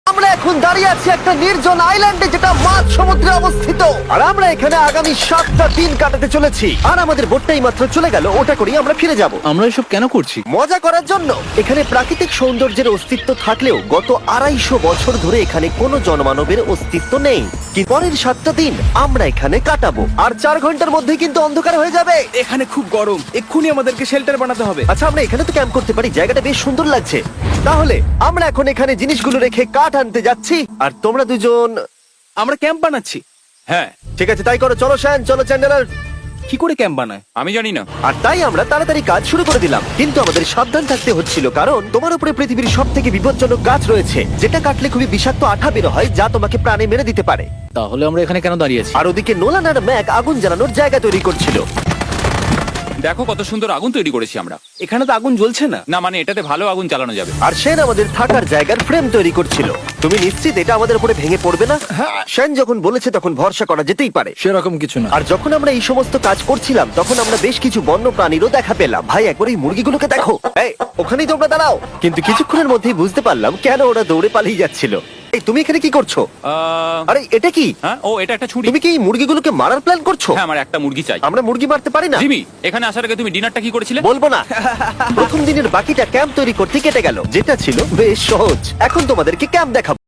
আমরা এখন দাঁড়িয়ে আছি একটা নির্জন আইল্যান্ডে যেটা মাঝ সমুদ্রে অবস্থিত, আর আমরা এখানে আগামী 7টা দিন কাটাতে চলেছি। আর আমাদের বোটটাই মাত্র চলে গেল, ওটা করেই আমরা ফিরে যাব আমরা এসব কেন করছি? মজা করার জন্য। এখানে প্রাকৃতিক সৌন্দর্যের অস্তিত্ব থাকলেও গত 250 বছর ধরে এখানে কোনো জনমানবের অস্তিত্ব নেই। কি পরের 7টা দিন আমরা এখানে কাটাবো, আর 4 ঘন্টার মধ্যেই কিন্তু অন্ধকার হয়ে যাবে। এখানে খুব গরম, এক্ষুনি আমাদেরকে শেল্টার বানাতে হবে। আচ্ছা, আমরা এখানে তো ক্যাম্প করতে পারি, জায়গাটা বেশ সুন্দর লাগছে। তাহলে আমরা এখন এখানে জিনিসগুলো রেখে কাঠ আনতে যাচ্ছি, আর তোমরা দুজন। আমরা ক্যাম্প বানাচ্ছি। হ্যাঁ, ঠিক আছে, তাই করো। চলো শ্যান, চলো চ্যান্ডেলার। কি করে ক্যাম্প বানায়? আমি জানি না। আর তাই আমরা তাড়াতাড়ি কাজ শুরু করে দিলাম, কিন্তু আমাদের সাবধান থাকতে হচ্ছিল, কারণ তোমার উপরে পৃথিবীর সব থেকে বিপজ্জনক গাছ রয়েছে, যেটা কাটলে খুবই বিষাক্ত আঠা বের হয়, যা তোমাকে প্রাণে মেরে দিতে পারে। তাহলে আমরা এখানে কেন দাঁড়িয়ে আছি? আর ওদিকে নোলান আর ম্যাক আগুন জ্বালানোর জায়গা তৈরি করছিল। দেখো কত সুন্দর আগুন তৈরি করেছি আমরা। এখানে তো আগুন জ্বলছে না। না, মানে এটাতে ভালো আগুন চালানো যাবে। আর সেন আমাদের থাকার জায়গার ফ্রেম তৈরি করছিল। তুমি নিশ্চিত এটা আমাদের উপরে ভেঙে পড়বে না? সেন যখন বলেছে তখন ভরসা করা যেতেই পারে। সেরকম কিছু না। আর যখন আমরা এই সমস্ত কাজ করছিলাম, তখন আমরা বেশ কিছু বন্য প্রাণীরও দেখা পেলাম। ভাই, একবার এই মুরগিগুলোকে দেখো। এই, ওখানেই তোমরা দাঁড়াও। কিন্তু কিছুক্ষণের মধ্যেই বুঝতে পারলাম কেন ওরা দৌড়ে পালিয়ে যাচ্ছিল। এই, তুমি এখানে কি করছো? আরে, এটা কি? হ্যাঁ, ও এটা একটা ছুরি। তুমি কি এই মুরগিগুলোকে মারার প্ল্যান করছো? হ্যাঁ, আমার একটা মুরগি চাই। আমরা মুরগি মারতে পারি না। জিমি, এখানে আসার আগে তুমি ডিনারটা কি করেছিলে? বলবো না। প্রথম দিনের বাকিটা ক্যাম্প তৈরি করতে কেটে গেল, যেটা ছিল বেশ সহজ। এখন তোমাদেরকে ক্যাম্প দেখাবো।